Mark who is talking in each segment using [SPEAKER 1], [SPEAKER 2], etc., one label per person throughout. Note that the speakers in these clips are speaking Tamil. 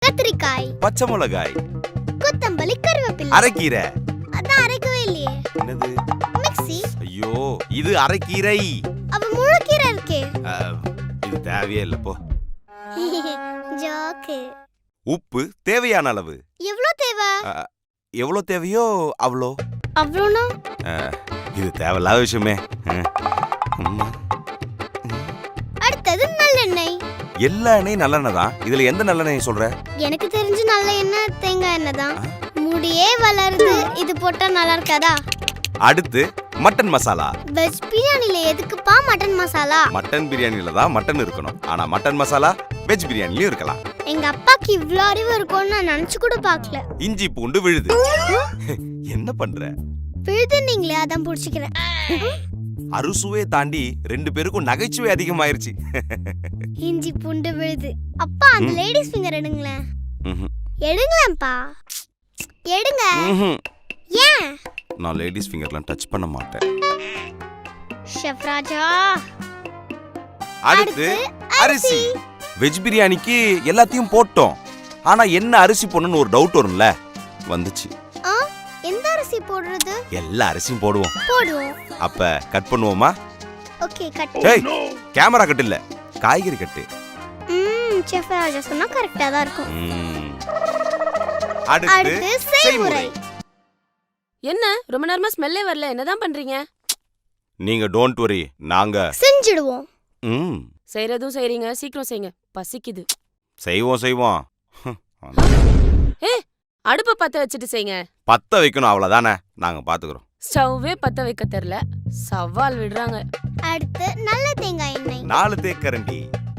[SPEAKER 1] கத்திரிக்காய்,
[SPEAKER 2] பச்சை மிளகாய்,
[SPEAKER 1] கொத்தமல்லி, கருவேப்பிலை,
[SPEAKER 2] அரைக்கீரை.
[SPEAKER 1] அதான் அரைக்கவே இல்லையே.
[SPEAKER 2] என்னது?
[SPEAKER 1] மிக்ஸி.
[SPEAKER 2] ஐயோ, இது அரைக்கீரை.
[SPEAKER 1] அவ முழுக்கீரை இருக்கே.
[SPEAKER 2] இது தேவையே இல்ல போ.
[SPEAKER 1] ஜோக்கு.
[SPEAKER 2] உப்பு தேவையான அளவு.
[SPEAKER 1] எவ்வளவு தேவை?
[SPEAKER 2] எவ்வளவு தேவையோ அவ்வளோ.
[SPEAKER 1] அவ்வளோனா?
[SPEAKER 2] இது தேவையில்லாத விஷயமே.
[SPEAKER 1] அடுத்தது நல்லெண்ணெய்.
[SPEAKER 2] எல்லா எண்ணெயும் நல்லெண்ணெய் தான். இதுல எந்த நல்லெண்ணெய் சொல்ற?
[SPEAKER 1] எனக்கு தெரிஞ்சு நல்ல எண்ணெய் தேங்காய் எண்ணெய் தான். முடியே வளருது, இது போட்டா நல்லா இருக்காதா?
[SPEAKER 2] அடுத்து மட்டன் மசாலா.
[SPEAKER 1] வெஜ் பிரியாணில எதுக்குப்பா மட்டன் மசாலா?
[SPEAKER 2] மட்டன் பிரியாணில தான் மட்டன் இருக்கணும். ஆனா மட்டன் மசாலா வெஜ் பிரியாணிலயும் இருக்கலாம்.
[SPEAKER 1] எங்க அப்பாக்கு இவ்ளோ அறிவு இருக்கும்னு நான் நினைச்சு கூட பார்க்கல.
[SPEAKER 2] இஞ்சி பூண்டு விழுது. என்ன பண்ற?
[SPEAKER 1] விழுதுன்னீங்களே, அதான் புடிச்சுக்கிறேன்.
[SPEAKER 2] அறுசுவையை தாண்டி 2 பேருக்கும் நகைச்சுவை அதிகமாயிருச்சு.
[SPEAKER 1] இஞ்சி பூண்டு விழுது. அப்பா அந்த லேடிஸ் ஃபிங்கர் எடுங்களேன். எடுங்களேன்ப்பா, எடுங்க. ஏன்?
[SPEAKER 2] நான் லேடிஸ் ஃபிங்கர்லாம் டச் பண்ண மாட்டேன்.
[SPEAKER 1] ஷெஃப் ராஜா.
[SPEAKER 2] அடுத்து அரிசி. வெஜ் பிரியாணிக்கு எல்லாத்தையும் போட்டோம். ஆனா என்ன அரிசி போடணும்னு ஒரு டவுட் வரும்ல, வந்துச்சு.
[SPEAKER 1] எந்த அரிசி போடுறது?
[SPEAKER 2] எல்லா அரிசியும் போடுவோம்.
[SPEAKER 1] போடுவோம்.
[SPEAKER 2] அப்ப கட் பண்ணுவோமா?
[SPEAKER 1] Okay, cut.
[SPEAKER 2] ஏய், கேமரா கட் இல்ல, காய்கறி கட்டு.
[SPEAKER 1] ஷெஃப் ராஜா சொன்னா கரெக்ட்டா தான் இருக்கும்.
[SPEAKER 2] அடுத்து செய்முறை.
[SPEAKER 3] என்ன ரொம்ப நேரமா ஸ்மெல்லே வரல, என்னதான் பண்றீங்க?
[SPEAKER 2] நீங்க டோன்ட் வரி, நாங்க
[SPEAKER 1] செஞ்சிடுவோம்.
[SPEAKER 3] செய்யறதும் செய்றீங்க, சீக்கிரம் செய்யுங்க, பசிக்குது.
[SPEAKER 2] செய்வோம்.
[SPEAKER 3] அடுப்ப பத்த வச்சுட்டு செய்யுங்க.
[SPEAKER 2] பத்த வைக்கணும், அவ்வளவுதானே, நாங்க பாத்துக்கிறோம்.
[SPEAKER 3] ஸ்டவ்வே பத்த வைக்க தெரியல, சவால் விடுறாங்க.
[SPEAKER 1] அடுத்து நல்ல தேங்காய் எண்ணெய்.
[SPEAKER 2] 4 தேக்கரண்டி.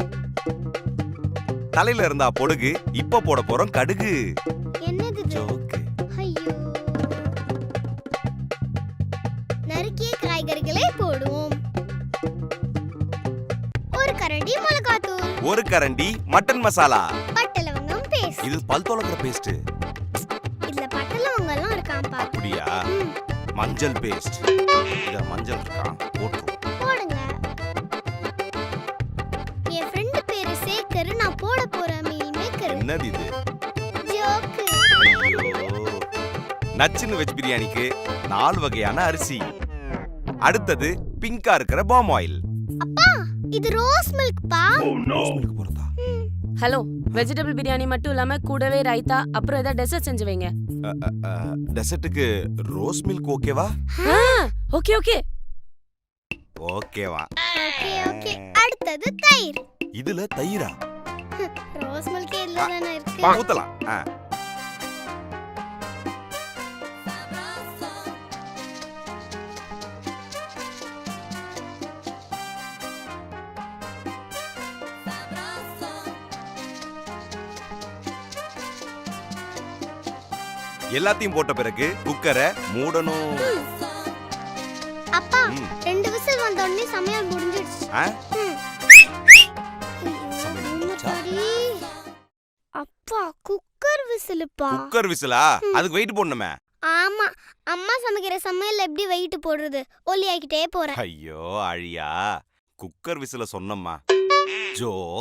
[SPEAKER 2] தலையில இருந்தா பொடுகு, இப்ப போட போறோம் கடுகு.
[SPEAKER 1] என்னது
[SPEAKER 2] ஜோக்கு.
[SPEAKER 1] ஐயோ. நறுக்கிய காய்கறிகளை போடுவோம். 1 கரண்டி மிளகாத்தூள்.
[SPEAKER 2] 1 கரண்டி மட்டன் மசாலா.
[SPEAKER 1] பட்டை லவங்கம் பேஸ்ட்.
[SPEAKER 2] இது பல் துலக்கிற பேஸ்ட்.
[SPEAKER 1] இதுல பட்டை லவங்கம் எல்லாம் இருக்காம்பா.
[SPEAKER 2] அப்படியா? மஞ்சள் பேஸ்ட். இத மஞ்சள் இருக்கா, போட்டு
[SPEAKER 1] போடுங்க. என் ஃப்ரெண்ட் பேரு சேகர், நான் போட போற மீல் மேக்கர்.
[SPEAKER 2] என்னது இது?
[SPEAKER 1] ஜோக்கு.
[SPEAKER 2] நச்சின்னு வெஜ் பிரியாணிக்கு 4 வகையான அரிசி. அடுத்தது பிங்கா இருக்கிற பாம் ஆயில்.
[SPEAKER 1] அப்பா, இது ரோஸ் மில்க் பா.
[SPEAKER 2] மில்க் போறதா?
[SPEAKER 3] ஹலோ, வெஜிடபிள் பிரியாணி மட்டும் இல்லாம கூடவே ரைத்தா, அப்புறம் ஏதாவது டெசர்ட் செஞ்சு வைங்க.
[SPEAKER 2] டெசர்ட்டுக்கு ரோஸ் மில்க் ஓகேவா?
[SPEAKER 3] ஓகே ஓகே
[SPEAKER 2] ஓகேவா?
[SPEAKER 1] ஓகே. அடுத்தது தயிர்.
[SPEAKER 2] இதுல தயிரா?
[SPEAKER 1] ரோஸ் மில்க் இதுல தான இருக்கு.
[SPEAKER 2] ஊத்தலாம். எல்லாத்தையும் போட்ட பிறகு குக்கரை மூடணும்.
[SPEAKER 1] அப்பா, 2 விசில் வந்த உடனே சமையல் முடிஞ்சிடுச்சு. அப்பா, குக்கர் விசிலுப்பா.
[SPEAKER 2] குக்கர் விசிலா? அதுக்கு வெயிட் போடணுமே.
[SPEAKER 1] ஆமா, அம்மா சமைக்கிற சமையல் எப்படி வெயிட் போடுறது? ஒல்லி ஆக்கிட்டே போறேன்.
[SPEAKER 2] ஐயோ அழியா, குக்கர் விசில சொன்னம்மா. ஜோ